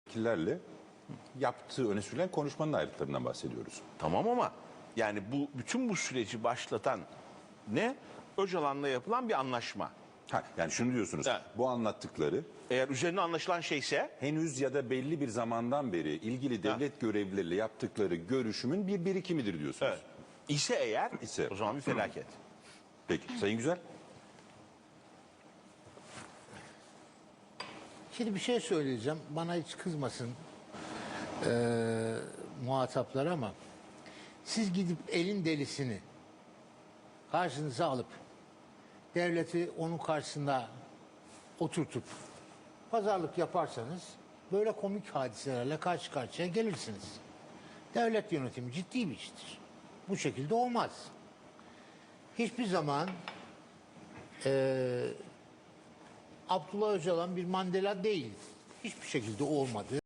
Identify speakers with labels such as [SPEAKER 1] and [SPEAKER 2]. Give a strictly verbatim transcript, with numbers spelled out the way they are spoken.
[SPEAKER 1] Killerle yaptığı öne sürülen konuşmanın ayrıntılarından bahsediyoruz.
[SPEAKER 2] Tamam ama yani bu bütün bu süreci başlatan ne? Öcalan'la yapılan bir anlaşma.
[SPEAKER 1] Ha, yani şunu diyorsunuz,
[SPEAKER 2] Evet.
[SPEAKER 1] bu anlattıkları
[SPEAKER 2] Eğer üzerine anlaşılan şeyse
[SPEAKER 1] henüz ya da belli bir zamandan beri ilgili devlet görevlileriyle yaptıkları görüşümün bir birikimidir diyorsunuz.
[SPEAKER 2] evet, ise eğer
[SPEAKER 1] İse.
[SPEAKER 2] o zaman bir felaket.
[SPEAKER 1] Peki, Sayın Güzel.
[SPEAKER 3] Şimdi bir şey söyleyeceğim. Bana hiç kızmasın eee muhataplar ama siz gidip elin delisini karşınıza alıp devleti onun karşısında oturtup pazarlık yaparsanız böyle komik hadiselerle karşı karşıya gelirsiniz. Devlet yönetimi ciddi bir iştir. Bu şekilde olmaz. Hiçbir zaman eee Abdullah Öcalan bir Mandela değil. Hiçbir şekilde olmadı.